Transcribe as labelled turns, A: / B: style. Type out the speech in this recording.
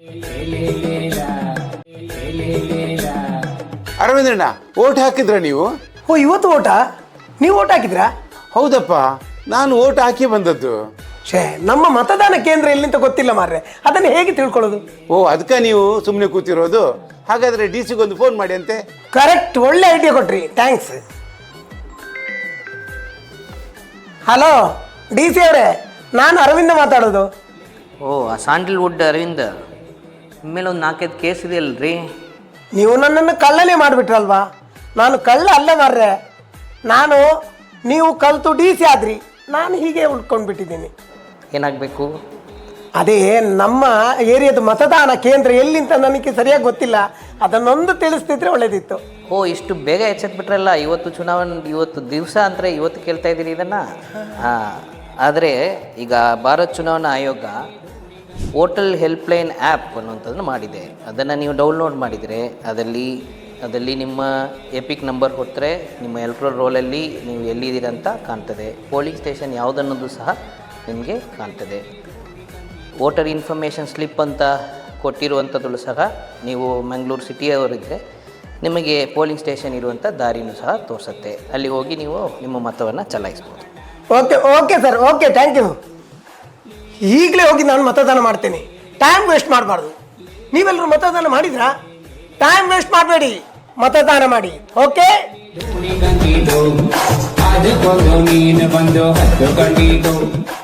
A: ಅರವಿಂದ್ರಣ್ಣ, vote ಹಾಕಿದ್ರ ನೀವು?
B: ಓ, ಇವತ್ತು ಓಟಾ? ನೀವು ಓಟ್ ಹಾಕಿದ್ರಾ?
A: ಹೌದಪ್ಪ, ನಾನು ಓಟ್ ಹಾಕಿ ಬಂದದ್ದು.
B: ಛೇ, ನಮ್ಮ ಮತದಾನ ಕೇಂದ್ರ ಎಲ್ಲಿಂತ ಗೊತ್ತಿಲ್ಲ ಮಾರ್ರೆ, ಅದನ್ನು ಹೇಗೆ ತಿಳ್ಕೊಳ್ಳೋದು?
A: ಓ, ಅದಕ್ಕೆ ನೀವು ಸುಮ್ಮನೆ ಕೂತಿರೋದು? ಹಾಗಾದ್ರೆ ಡಿ ಸಿಗೊಂದು ಫೋನ್ ಮಾಡಿ ಅಂತೆ.
B: ಕರೆಕ್ಟ್, ಒಳ್ಳೆ ಐಡಿಯಾ ಕೊಟ್ರಿ, ಥ್ಯಾಂಕ್ಸ್. ಹಲೋ ಡಿ ಸಿ ಅವರೇ, ನಾನು ಅರವಿಂದ ಮಾತಾಡೋದು.
C: ಓ, ಆ ಸ್ಯಾಂಡಲ್ವುಡ್ ಅರವಿಂದ್ ಮೇಲೆ ಒಂದು 4-5 ಕೇಸ್ ಇದೆಯಲ್ರಿ?
B: ನೀವು ನನ್ನನ್ನು ಕಳ್ಳನೇ ಮಾಡಿಬಿಟ್ರಲ್ವಾ? ನಾನು ಕಳ್ಳ ಅಲ್ಲ ಮಾರ್ರೆ. ನೀವು ಕಲ್ತು ಡಿ ಸಿ ಆದ್ರಿ, ನಾನು ಹೀಗೆ ಉಳ್ಕೊಂಡು ಬಿಟ್ಟಿದ್ದೀನಿ.
C: ಏನಾಗಬೇಕು?
B: ಅದೇ ನಮ್ಮ ಏರಿಯಾದ ಮತದಾನ ಕೇಂದ್ರ ಎಲ್ಲಿಂತ ನನಗೆ ಸರಿಯಾಗಿ ಗೊತ್ತಿಲ್ಲ, ಅದನ್ನೊಂದು ತಿಳಿಸ್ತಿದ್ರೆ ಒಳ್ಳೇದಿತ್ತು.
C: ಓ, ಇಷ್ಟು ಬೇಗ ಎಚ್ಚೆತ್ಬಿಟ್ರಲ್ಲ. ಇವತ್ತು ಚುನಾವಣೆ, ಇವತ್ತು ದಿವಸ ಅಂದರೆ ಇವತ್ತು ಕೇಳ್ತಾ ಇದ್ದೀರಿ ಇದನ್ನು? ಹಾಂ, ಆದರೆ ಈಗ ಭಾರತ್ ಚುನಾವಣಾ ಆಯೋಗ ವೋಟರ್ ಹೆಲ್ಪ್ಲೈನ್ ಆ್ಯಪ್ ಅನ್ನುವಂಥದ್ದನ್ನು ಮಾಡಿದೆ. ಅದನ್ನು ನೀವು ಡೌನ್ಲೋಡ್ ಮಾಡಿದರೆ ಅದರಲ್ಲಿ ನಿಮ್ಮ ಎಪಿಕ್ ನಂಬರ್ ಕೊಟ್ಟರೆ ನಿಮ್ಮ ಎಲೆಕ್ಟ್ರಲ್ ರೋಲಲ್ಲಿ ನೀವು ಎಲ್ಲಿದ್ದೀರ ಅಂತ ಕಾಣ್ತದೆ. ಪೋಲಿಂಗ್ ಸ್ಟೇಷನ್ ಯಾವುದನ್ನೋದು ಸಹ ನಿಮಗೆ ಕಾಣ್ತದೆ. ವೋಟರ್ ಇನ್ಫಾರ್ಮೇಷನ್ ಸ್ಲಿಪ್ ಅಂತ ಕೊಟ್ಟಿರುವಂಥದ್ದು ಸಹ, ನೀವು ಮಂಗಳೂರು ಸಿಟಿಯವರಿದ್ದರೆ ನಿಮಗೆ ಪೋಲಿಂಗ್ ಸ್ಟೇಷನ್ ಇರುವಂಥ ದಾರಿನೂ ಸಹ ತೋರಿಸುತ್ತೆ. ಅಲ್ಲಿ ಹೋಗಿ ನೀವು ನಿಮ್ಮ ಮತವನ್ನು ಚಲಾಯಿಸ್ಬೋದು.
B: Okay sir, okay, thank you. ಈಗಲೇ ಹೋಗಿ ನಾನು ಮತದಾನ ಮಾಡ್ತೇನೆ. ಟೈಮ್ ವೇಸ್ಟ್ ಮಾಡಬಾರ್ದು. ನೀವೆಲ್ಲರೂ ಮತದಾನ ಮಾಡಿದ್ರಾ? ಟೈಮ್ ವೇಸ್ಟ್ ಮಾಡಬೇಡಿ, ಮತದಾನ ಮಾಡಿ. ಓಕೆ.